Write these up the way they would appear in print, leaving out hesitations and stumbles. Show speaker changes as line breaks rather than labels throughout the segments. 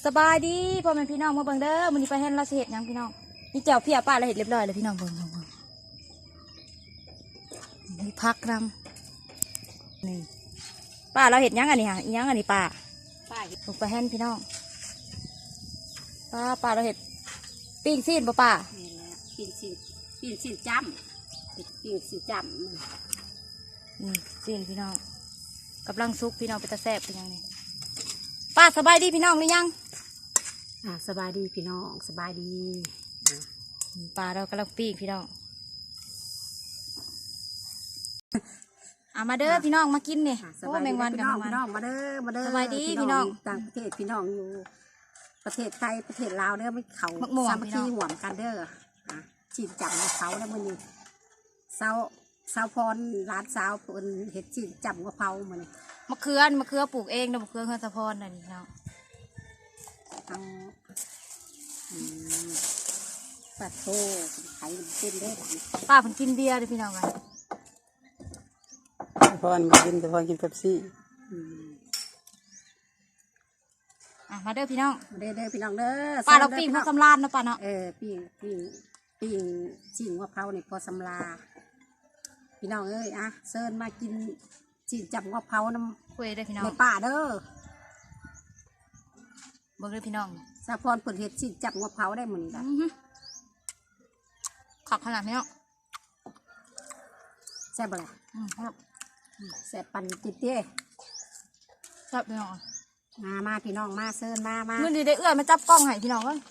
สบายดีพ่อแม่พี่น้องมาเบิ่งเด้อมื้อนี้ไปเฮ็ดเราสิเฮ็ดหยังพี่น้องนี่แจ่วเพียป้าเราเฮ็ดเรียบร้อยเลยพี่น้องเบิ่งนี่พักนำนี่ป้าเราเฮ็ดหยังอันนี้ฮะอีหยังอันนี้ป้าลงไปเฮ็ดพี่น้องป้าเราเฮ็ดปิ้งซีนป้า
นี่แหละปิ้งซีนจ้ำปิ้งซีนจ้ำ
นี่ซีนพี่น้องกำลังซุกพี่น้องไปตะแซ่บเป็นยังนี่ป้าสบายดีพี่น้องหรือยัง
สบายดีพี่น้องสบายดี
ปลาเรากำลังปิ้งพี่น้องมาเด้อพี่น้องมากินเนี่ยโอ้แมงวันกับแมงวัน
มาเด้อ
สบายดีพี่น้อง
ต่างประเทศพี่น้องอยู่ประเทศไทยประเทศลาวเด้อไม่เขาสามัคคีห่วงกันเด้อจีนจับเขาแล้วมันนี่สาวพรร้านสาวเพิ่นเห็ดจีนจับกะเพราเหมือน
มะเขือปลูกเองนะมะเขือเฮือนสะพรนั่นนี่เนาะ
ปลาโถไข่เป็นได้
ป้าเพิ่นกินเบียร์เลยพี่น้องกัน
พรมากินแต่พรกินเป๊ปซี่
มาเด้อพี่น้อง
มาเด้อพี่น้องเด้อ
ป้าเราปิ้งพอสำราญเนาะป้าเนาะ
ปิ้งจีนกะเพราเนี่ยพอสำราพี่น้องเอ้ยเซิร์นมากินจีนจับกะเพราน้ำ
คุยได้พี่น้อง
ในป่าเด้อ
เบิ่งเลยพี่น้อง
สะพรเปิดเห็ดจีนจับกะเพราได้เหมือนกัน
ขับขนาดนี้เนาะ
แซ่บอะไรแซ่บปันจิตเต้
แซ่บพี่น้อง
มาพี่น้องมาเซิร์นมา
เมื่อดีได้เอื้อมาจับกล้องให้พี่น้องกัน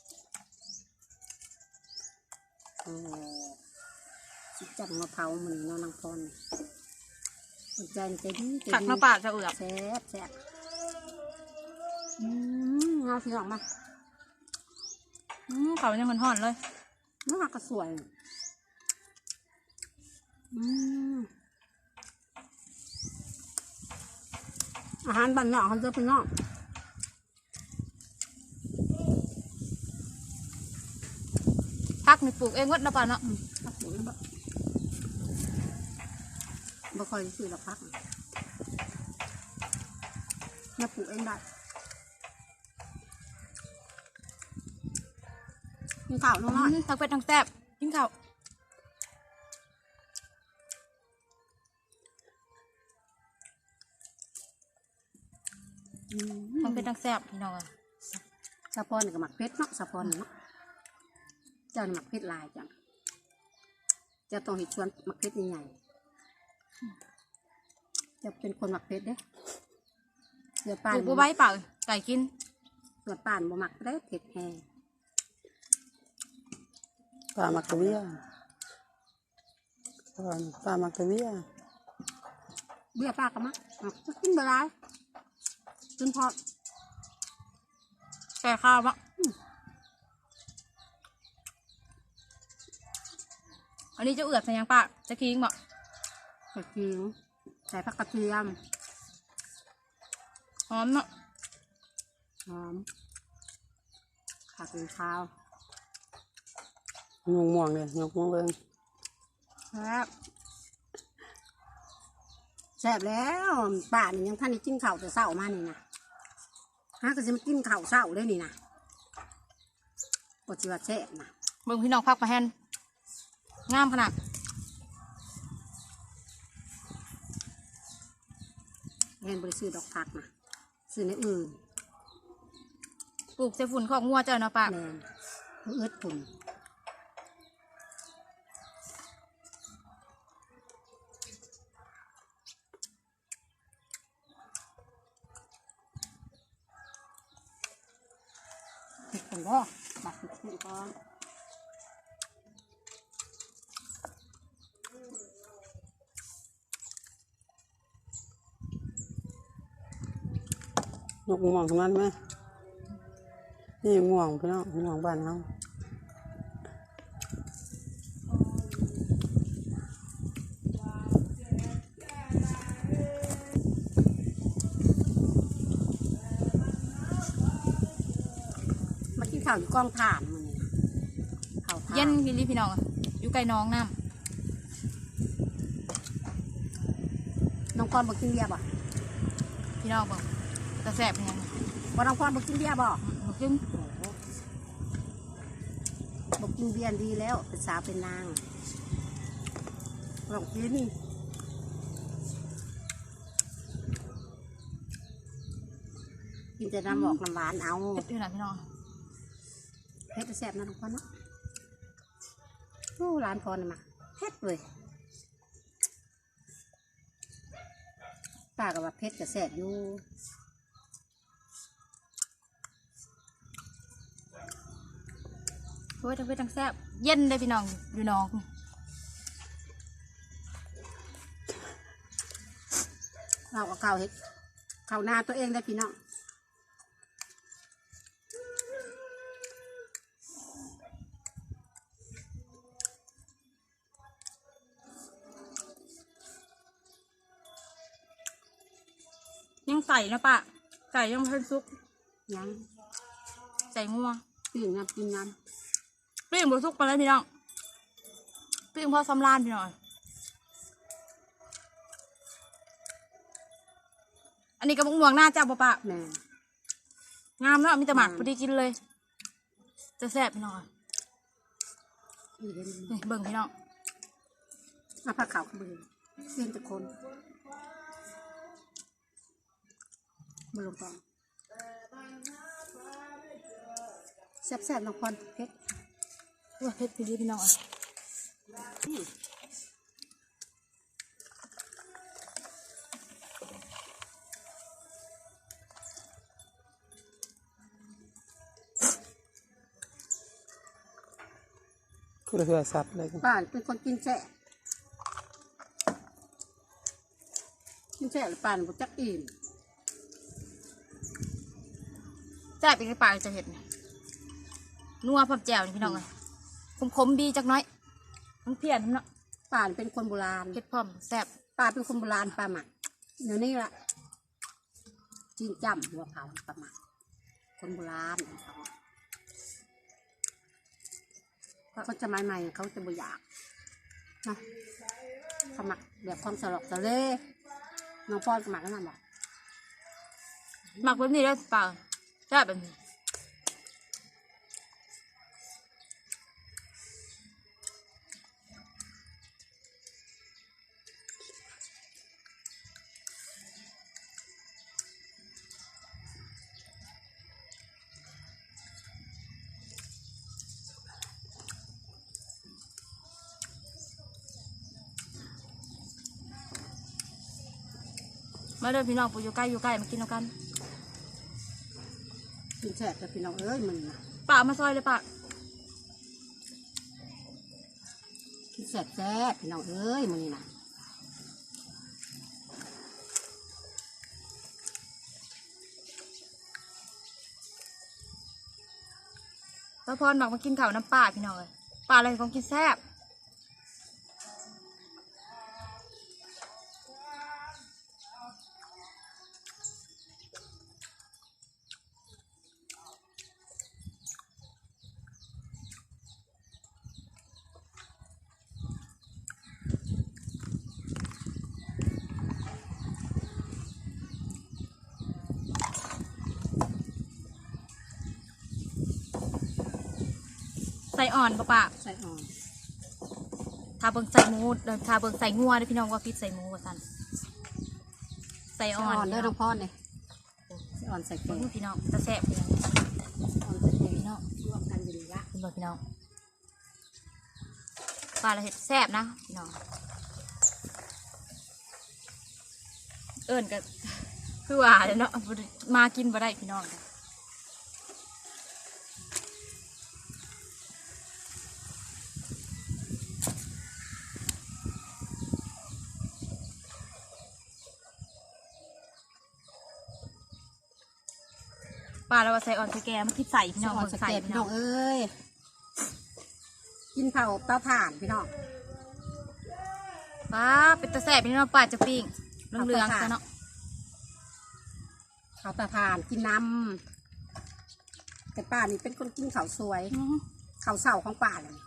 จีนจับกะเพราเหมือนน้องนางพรใจดี
ผักน้ำปลาจะเอื้อ
แซ่บเอาพี่น้องมา
เขายังห่อนเลย
น้องก็สวยอาหารบ้านนอกเขาจะเป็นนอก
พักนี่ปลูกเองวัดนะป่าเนาะ
บ่ค่อยซื้อหรอกพักเนี่ยปลูกเองได้กินข้าวน้อย
ทั้งเป็ดทั้งแซ่บกินข้าวทั้งเป็ดทั้งแซ่บพี่น้องอ่ะ
สะพอนกับหมักเพชรเนาะสะพอนเนาะเจ้าหมักเพชรลายจังจะต้องเห็ดชวนหมักเพชรใหญ่จะเป็นคนหมักเพชรเด้เสือป่าน
ปลูกใบเปล่าไก่กิน
เสือป่านบ่หมักได้เผ็ดแห้ง
ปลามักกะเวียปลามักกะเวีย
เบี้ยปลากระมักกินเบลายจนพอ
แก่ข้าวปะอันนี้จะเอือดใส่ยังปะจะคิงบอก
กระเทียมใส่ผักกระเทียม
หอมเนาะ
หอมขาดเป็นข้าวย
งม่วงเลยยกม่วงเลย
แซ่บแล้วป่านี่ยังท่านนี่กินข้าวแต่เช้ามานี่นะก็จะมากินข้าวเช้าเลยนี่นะปฏิวัติแซ่บนะ
เบิ่งพี่น้องพักมาแฮนงามขนาด
แฮนบริสุทธิ์ดอกผักนะซื้อในอื่น
ปลูกเสฝุ่นของงัวเจ้าเนาะปะ
แมนเอื้อฝุ่นผมก็บักขึ้นก่อน
ยกม่วงตรงนั้นไหมนี่ม่วงพี่น้องม่วงบ้านเขา
ข้าวอยู่กองถ่านมันข้าว
เย็นพี่ลี่พี่น้องอยู่ไกลน้องน้
ำน้องกอนบอกกินเบียร์ป่ะ
พี่น้องบอกจะแสบยัง
บ่น้องพรบ่กินเบียร์บ่
บ่กิน
บอกกินเบียร์ดีแล้วเป็นสาวเป็นนางลองกินกินแต่น้ำบอกน้ำหวานเอา
เผ็ดอยู่นะพี่น้อง
เผ็ดแซ่บนะทุกคนเนาะโอ้ร้านพรน่ะมาเผ็ดเลยป้ากับว่าเผ็ดกับแซ่บอยู่
เฮ้ยทั้งเผ็ดทั้งแซ่บเย็นเลยพี่น้องอยู่น้อง
เราเอาข้าวเฮ็ดข้าวหน้าตัวเองได้พี่น้อง
ยังใส่นะปะใส่ยังเพิ่นซุก
ยัง
ใส่งัว
ปิ้งน้ำกินน้
ปิ้งบซุกไปแล้วพี่น้องปิ้งพอสำรานพี่น้องอันนี้กระบอกม่วงหน้าจ้าปะปะ
ำแม่
งามเนาะมีแต่หมักพอดีกินเลย จะแซ่บพี่น้องอะ
นี่เห็น
นี่เบิ่งพี่น้อง
มาผักขาวขึ้นเลยเส้นตะคนมาลงก่อนแซ่บๆน้องพรเผ็ด
ว่าเผ็ดพี่ดีพี่น้องอ่ะ
คือเพื่อสัตว์เลย
ป้าเป็นคนกินแซ่กินแซ่หรือป้าบ่จักอิ่ม
แซ่บอีกในปากจะเห็ดนี่นัวผับแจ่วนี่พี่น้องอ่ะขมๆดีจักหน้อยมันเพี้ยนเนาะ
ป้าเป็นคนโบราณ
เผ็ดพร้อมแซ่บ
ป้าเป็นคนโบราณป้าหมักเดี๋ยวนี้ละกินจ้ำหัวเผาป้าหมักคนโบราณเขาจะใหม่ๆเขาจะบ่อยากนะสมัครแบบความสลอกสะเลน้องป้อนสมัครแล้วนั่นบอก
หมักแบบนี้แล้วเปล่าแซ่บแบบนี้มาเด้อพี่น้องปูอยู่ใกล้มากินเอากัน
กินแซ่บแต่พี่น้องเอ้ยมึง
ป่ามาซอยเลยป่า
กินแซ่บพี่น้องเอ้ยมึงนี่นะ
ป้าพรบอกมากินข้าวน้ำป่าพี่น้องเลยป่าอะไรของกินแซ่บใส่อ่อนป่า
ใส่อ่อน
ทาเบิงใส่หมูทาเบิงใส่งัวเด้อพี่น้องว่าพิษใส่หมูว่าสั่นใส่
ใส่
อ่อ
อ่อน
น
เด้อน้องพ่อเนี่ยใส่อ่อนใส่แก
เบิ่
ง
งพี่น้องจะแซ่บพี่น้อง
อ่อนใส่แกงเนาะรวมกันอยู่ดีละ
คุณบอกพี่น้องปลาละเห็ดแซ่บนะพี่น้องเอิญก็คือว่าเนาะมากินบ่ได้พี่น้องปลาเราใส่อ่อนใส่แกมันคิดใส่พี่น้อง
อ่อน
เบิ่ง
ใส่
ใส่
แกง
พี่
พี่
น้
น้
อ
อง งเอ้ยกินเผาเตาถ่านพี่น้อง
ป้าเป็นตะแซ่บพี่น้องปลาจะปิ้งเหลืองๆซะเนาะ
เผาเตาถ่านกินน้ำแต่ป้านี่เป็นคนกินข้าวสวยข้าวเสาของป้าเลย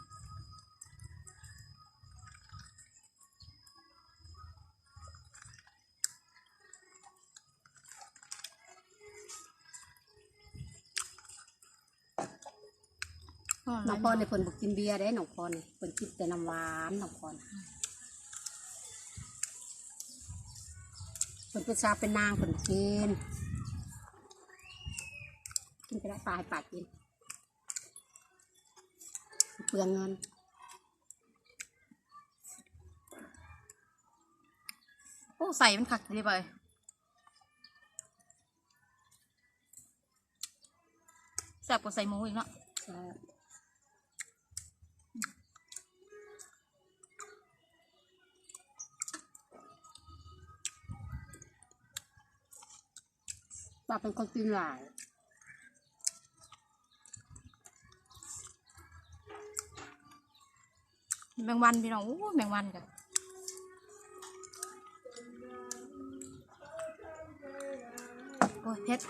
น้องพรในเพิ่นบอกกินเบียร์ได้น้องพรนี่เพิ่นกินแต่น้ำหวานน้องพรเพิ่นเป็นชาวเป็นนางเพิ่นกินไปได้ปลาให้ปากกินเปลืองเงิน
โอ้ใส่มันขักดีไปแซ่บกว่าใส่หมูอีกเนาะ
ป้าเป็นคนกินหลาย
แมงวันพี่น้องโอ้แมงวันกันโอ้ยเพชร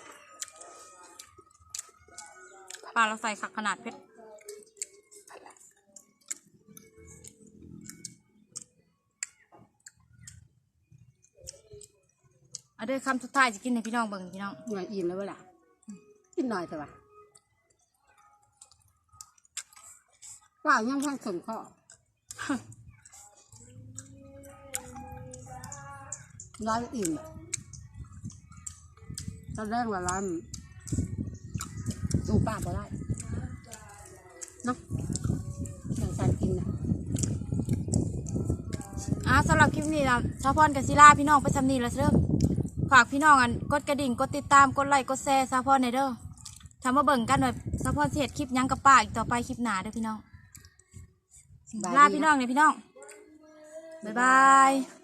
ปลาเราใส่ขักขนาดเพชรเอาด้วยคำสุดท้ายจะกินให้พี่น้องเบิ่งพี่น้อง
หน่อยอิ่มแล้วเวลากินหน่อยเถอะวะว่ายังข้างสนข้อร้อยอิ่มตอนแรกว่าร้านดูป้าบ่ได้เนาะอย่างการกินนะ
สำหรับคลิปนี้นะชาวพรกับศิลาพี่น้องไปสำนีแล้วเด้อฝากพี่น้องกันกดกระดิ่งกดติดตามกดไลค์กดแชร์ชาวพรในเด้อทำมาเบิ่งกันแบบชาวพรเสียดคลิปยังกับป้าอีกต่อไปคลิปหน้าเด้อพี่น้องลาพี่น้องเนี่ยพี่น้องบ๊ายบาย